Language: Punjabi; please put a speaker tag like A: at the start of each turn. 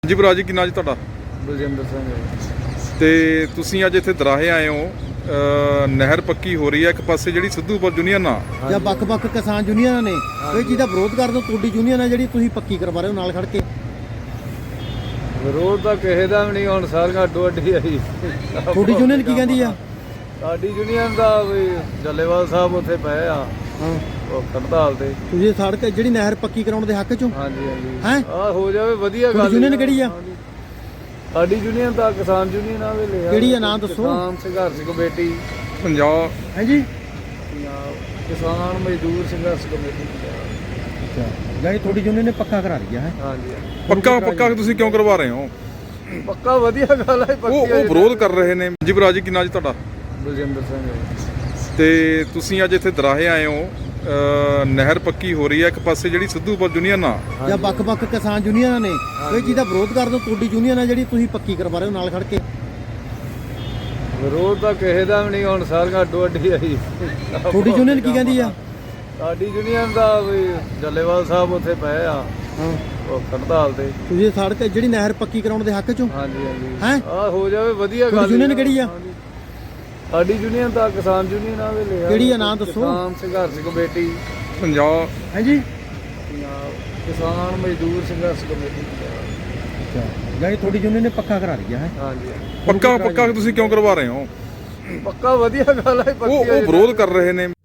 A: ਜੀ ਭਰਾ ਜੀ, ਕਿੰਨਾ ਜੀ ਤੁਹਾਡਾ?
B: ਬਲਜਿੰਦਰ ਸਿੰਘ।
A: ਤੇ ਤੁਸੀਂ ਅੱਜ ਇੱਥੇ ਦਰਾਹੇ ਆਏ ਹੋ, ਨਹਿਰ ਪੱਕੀ ਹੋ ਰਹੀ ਹੈ ਇੱਕ ਪਾਸੇ ਜਿਹੜੀ ਸਿੱਧੂਪੁਰ ਯੂਨੀਅਨ ਆ
C: ਜਾਂ ਵੱਖ-ਵੱਖ ਕਿਸਾਨ ਯੂਨੀਅਨਾਂ ਨੇ ਕੋਈ ਚੀਜ਼ ਦਾ ਵਿਰੋਧ ਕਰਦੇ ਹੋ, ਤੁਹਾਡੀ ਯੂਨੀਅਨ ਹੈ ਜਿਹੜੀ ਤੁਸੀਂ ਪੱਕੀ ਕਰਵਾ ਰਹੇ ਹੋ ਨਾਲ ਖੜ ਕੇ।
B: ਵਿਰੋਧ ਤਾਂ ਕਿਸੇ ਦਾ ਵੀ ਨਹੀਂ, ਹੁਣ ਸਾਰੀਆਂ ਅੱਡੋ ਅੱਡੀ ਆਈ।
C: ਤੁਹਾਡੀ ਯੂਨੀਅਨ ਕੀ ਕਹਿੰਦੀ ਆ?
B: ਸਾਡੀ ਯੂਨੀਅਨ ਦਾ ਵੀ ਜੱਲੇਵਾਲ ਸਾਹਿਬ ਉੱਥੇ ਪਏ ਆ
C: ਹਾਂ,
B: ਉਹ ਹੜਤਾਲ ਤੇ।
C: ਤੁਸੀਂ ਸੜਕ ਜਿਹੜੀ ਨਹਿਰ ਪੱਕੀ ਕਰਾਉਣ ਦੇ ਹੱਕ ਚੋਂ?
B: ਹਾਂਜੀ ਹਾਂਜੀ
C: ਹੈਂ?
B: ਆ ਹੋ ਜਾਵੇ ਵਧੀਆ ਗੱਲ।
C: ਤੁਹਾਡੀ ਯੂਨੀਅਨ ਕਿਹੜੀ ਆ?
B: ਸਾਡੀ ਯੂਨੀਅਨ ਤਾਂ ਕਿਸਾਨ ਯੂਨੀਅਨ ਆ ਵੇਲੇ।
C: ਕਿਹੜੀ ਆ, ਨਾਂ ਦੱਸੋ।
B: ਕਿਸਾਨ ਸੰਘਰਸ਼ ਕਮੇਟੀ
A: ਪੰਜਾਬ।
C: ਹੈ ਜੀ,
B: ਪੰਜਾਬ ਕਿਸਾਨ ਮਜ਼ਦੂਰ ਸੰਘਰਸ਼ ਕਮੇਟੀ ਪੰਜਾਬ।
C: ਜਾਨੀ ਤੁਹਾਡੀ ਯੂਨੀਅਨ ਨੇ ਪੱਕਾ ਕਰਾ ਲਿਆ ਹੈ?
B: ਹਾਂਜੀ
A: ਪੱਕਾ ਤੁਸੀਂ ਕਿਉਂ ਕਰਵਾ ਰਹੇ ਹੋ?
B: ਪੱਕਾ ਵਧੀਆ ਗੱਲ ਹੈ।
A: ਉਹ ਵਿਰੋਧ ਕਰ ਰਹੇ ਨੇ। ਜੀ ਭਰਾ ਜੀ, ਕਿੰਨਾ ਜੀ ਤੁਹਾਡਾ?
B: ਬਲਜਿੰਦਰ ਸਿੰਘ।
A: ਤੇ ਤੁਸੀਂ ਅੱਜ ਇੱਥੇ ਦਰਾਹੇ ਆਏ ਹੋ, ਨਹਿਰ ਪੱਕੀ ਹੋ ਰਹੀ ਹੈ ਇੱਕ ਪਾਸੇ ਜਿਹੜੀ ਸਿੱਧੂਪੁਰ ਯੂਨੀਅਨ ਆ
C: ਜਾਂ ਵੱਖ-ਵੱਖ ਕਿਸਾਨ ਯੂਨੀਅਨਾਂ ਨੇ ਕੋਈ ਚੀਜ਼ ਦਾ ਵਿਰੋਧ ਕਰਦੇ ਹੋ, ਤੁਹਾਡੀ ਯੂਨੀਅਨ ਹੈ ਜਿਹੜੀ ਤੁਸੀਂ ਪੱਕੀ ਕਰਵਾ ਰਹੇ ਹੋ ਨਾਲ ਖੜ ਕੇ।
B: ਵਿਰੋਧ ਤਾਂ ਕਿਸੇ ਦਾ ਵੀ ਨਹੀਂ, ਹੁਣ ਸਾਰੀਆਂ ਅੱਡੋ ਅੱਡੀ ਆਈ।
C: ਤੁਹਾਡੀ ਯੂਨੀਅਨ ਕੀ ਕਹਿੰਦੀ ਆ?
B: ਸਾਡੀ ਯੂਨੀਅਨ ਦਾ ਵੀ ਜੱਲੇਵਾਲ ਸਾਹਿਬ ਉੱਥੇ ਪਏ ਆ
C: ਹਾਂ,
B: ਉਹ ਹੜਤਾਲ ਤੇ।
C: ਤੁਸੀਂ ਸੜਕ ਜਿਹੜੀ ਨਹਿਰ ਪੱਕੀ ਕਰਾਉਣ ਦੇ ਹੱਕ ਚੋਂ?
B: ਹਾਂਜੀ ਹਾਂਜੀ
C: ਹੈਂ?
B: ਆ ਹੋ ਜਾਵੇ ਵਧੀਆ ਗੱਲ।
C: ਤੁਹਾਡੀ ਯੂਨੀਅਨ ਕਿਹੜੀ ਆ?
B: ਸਾਡੀ ਯੂਨੀਅਨ ਤਾਂ ਕਿਸਾਨ ਯੂਨੀਅਨ ਆ ਵੇਲੇ।
C: ਕਿਹੜੀ ਆ, ਨਾਂ ਦੱਸੋ।
B: ਕਿਸਾਨ ਸੰਘਰਸ਼ ਕਮੇਟੀ
A: ਪੰਜਾਬ।
C: ਹੈ ਜੀ,
B: ਪੰਜਾਬ ਕਿਸਾਨ ਮਜ਼ਦੂਰ ਸੰਘਰਸ਼ ਕਮੇਟੀ ਪੰਜਾਬ।
C: ਜਾਨੀ ਤੁਹਾਡੀ ਯੂਨੀਅਨ ਨੇ ਪੱਕਾ ਕਰਾ ਲਿਆ ਹੈ?
B: ਹਾਂਜੀ
A: ਪੱਕਾ ਤੁਸੀਂ ਕਿਉਂ ਕਰਵਾ ਰਹੇ ਹੋ?
B: ਪੱਕਾ ਵਧੀਆ ਗੱਲ ਹੈ।
A: ਉਹ ਵਿਰੋਧ ਕਰ ਰਹੇ ਨੇ।